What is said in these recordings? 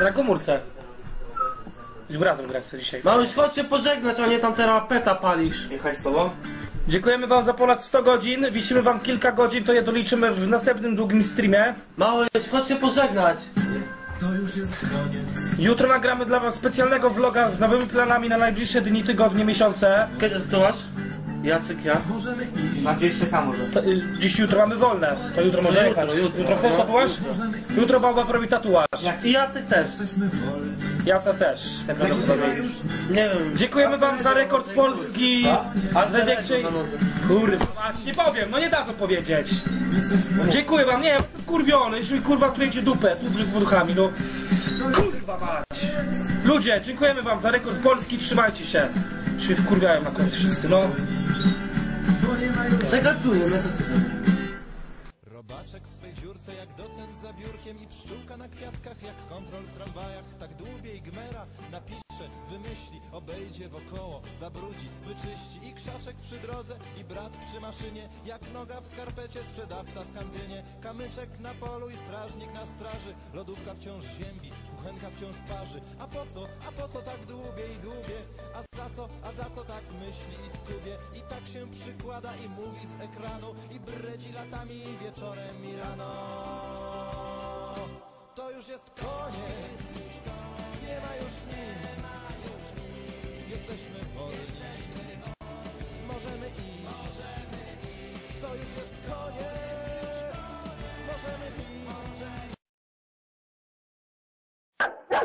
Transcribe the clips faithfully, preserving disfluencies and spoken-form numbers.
Na komórce. Już razem grać dzisiaj. Małyś, chodź się pożegnać, a nie tam teraz peta palisz. Jechać z tobą? Dziękujemy wam za ponad sto godzin. Wisimy wam kilka godzin, to je doliczymy w następnym długim streamie. Małyś, chodź się pożegnać. To już jest koniec. Jutro nagramy dla was specjalnego vloga z nowymi planami na najbliższe dni, tygodnie, miesiące. Kiedy to masz? Jacyk, ja? Możemy iść. Na dwieście ka może. To, y, dziś jutro mamy wolne, to jutro może jechać. jutro, jutro. Jutro chcesz tatuaż? Jutro baba robi tatuaż. I Jacek też. Jesteśmy wolni. Jaca też. Nie wiem. Dziękujemy wam za rekord Polski, a za największej... Na nodze. Kurwa, nie powiem, no nie dadzą powiedzieć. Dziękuję wam, nie, kurwiony, jeśli mi kurwa klejcie dupę, tu brzeg wodchami, no. Kurwa mać. Ludzie, dziękujemy wam za rekord Polski, trzymajcie się. Już mnie wkurwiają na końcu wszyscy, no. Zagaduję, no to co za... Robaczek w swej dziurce jak docent za biurkiem i pszczółka na kwiatkach jak kontrol w tramwajach. Tak dłubie i gmera napisze, wymyśli, obejdzie wokoło, zabrudzi, wyczyści i krzaczek przy drodze i brat przy maszynie. Jak noga w skarpecie, sprzedawca w kantynie. Kamyczek na polu i strażnik na straży. Lodówka wciąż ziębi, kuchenka wciąż parzy. A po co, a po co tak dłubie i dłubie? A za co, a za co tak myśli i skubie? I tak się przykłada i mówi z ekranu i bredzi latami i wieczorem i rano. To już jest koniec, nie ma już nic, jesteśmy wolni, możemy iść. To już jest koniec, możemy iść.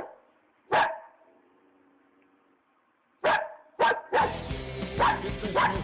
Jesteśmy